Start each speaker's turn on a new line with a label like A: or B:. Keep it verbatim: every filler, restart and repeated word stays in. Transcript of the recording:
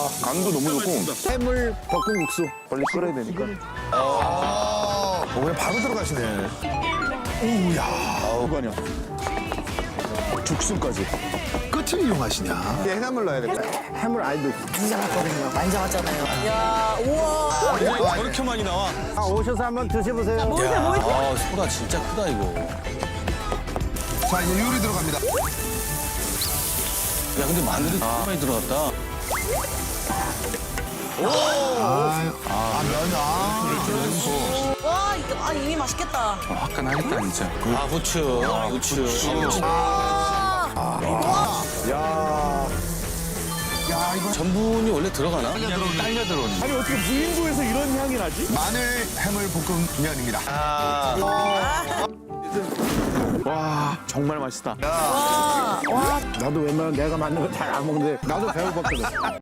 A: 간도 너무 좋고.
B: 해물 볶음국수.
A: 빨리 끓여야 되니까.
C: 어, 그냥 바로 들어가시네. 오우야.
A: 아우, 아니야. 죽순까지.
C: 끝을 이용하시냐?
B: 이제 해산물 넣어야 돼. 해물 알도
D: 만져봤거든요. 만져봤잖아요. 야, 우와.
E: 저렇게 많이 나와.
B: 아, 오셔서 한번 드셔보세요.
D: 모르세요, 모르세요.
E: 아, 소라 진짜 크다, 이거.
C: 자, 이제 요리 들어갑니다.
E: 야, 근데 마늘이 너무 많이 들어갔다.
C: 아, 아, 면, 아.
D: 와, 이거, 아, 이미 맛있겠다.
A: 화끈하겠다, 진짜.
E: 아, 후추. 아, 후추. 후추.
B: 야.
C: 야, 이거
E: 전분이 원래 들어가나?
A: 딸려 들어오는.
B: 아니, 어떻게 무인도에서 이런 향이 나지?
C: 마늘 해물 볶음면입니다.
A: 와, 정말 맛있다.
D: 와, 와.
B: 나도 웬만하면 내가 만든 거 잘 안 먹는데 나도 배고팠거든.